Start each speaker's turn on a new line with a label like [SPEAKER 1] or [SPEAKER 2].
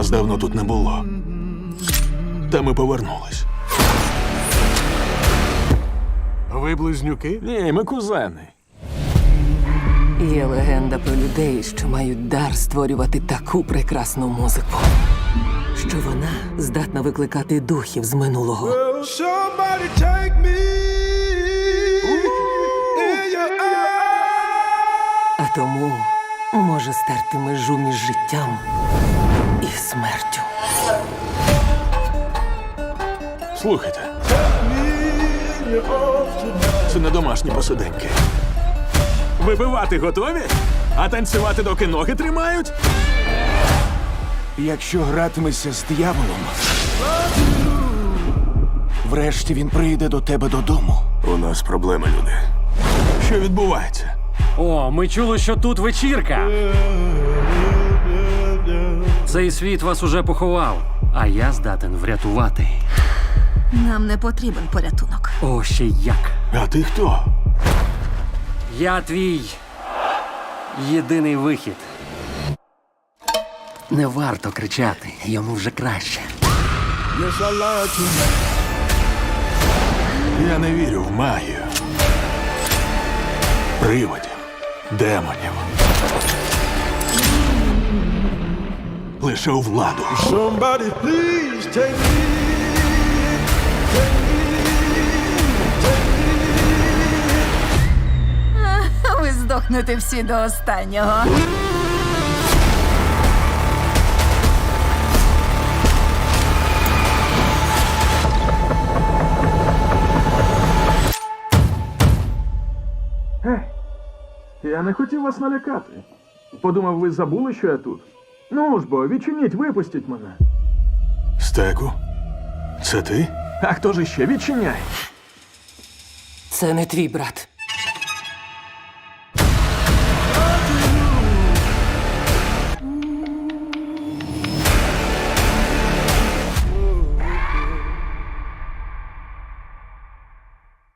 [SPEAKER 1] Нас давно тут не було. Та ми повернулись.
[SPEAKER 2] Ви близнюки?
[SPEAKER 1] Ні, ми кузени.
[SPEAKER 3] Є легенда про людей, що мають дар створювати таку прекрасну музику, що вона здатна викликати духів з минулого.
[SPEAKER 4] Somebody take me in your eyes.
[SPEAKER 3] А тому може стерти межу між життям і смертю.
[SPEAKER 1] Слухайте. Це не домашні посиденьки. Вибивати готові? А танцювати, доки ноги тримають?
[SPEAKER 2] Якщо гратимешся з дияволом, врешті він прийде до тебе додому.
[SPEAKER 1] У нас проблеми, люди. Що відбувається?
[SPEAKER 5] О, ми чули, що тут вечірка. Цей світ вас уже поховав, а я здатен врятувати.
[SPEAKER 6] Нам не потрібен порятунок.
[SPEAKER 5] О, ще як.
[SPEAKER 1] А ти хто?
[SPEAKER 5] Я твій єдиний вихід. Не варто кричати, йому вже краще.
[SPEAKER 4] Yes, I lied to you.
[SPEAKER 1] Я не вірю в магію. Привидів, демонів. Лише у владу.
[SPEAKER 4] Somebody please take me.
[SPEAKER 6] Ви здохнете всі до останнього.
[SPEAKER 7] Я не хотів вас налякати. Подумав, ви забули, що я тут. Ну ж бо, відчиніть, випустіть мене.
[SPEAKER 1] Стеку? Це ти?
[SPEAKER 7] А хто ж іще? Відчиняй.
[SPEAKER 3] Це не твій брат.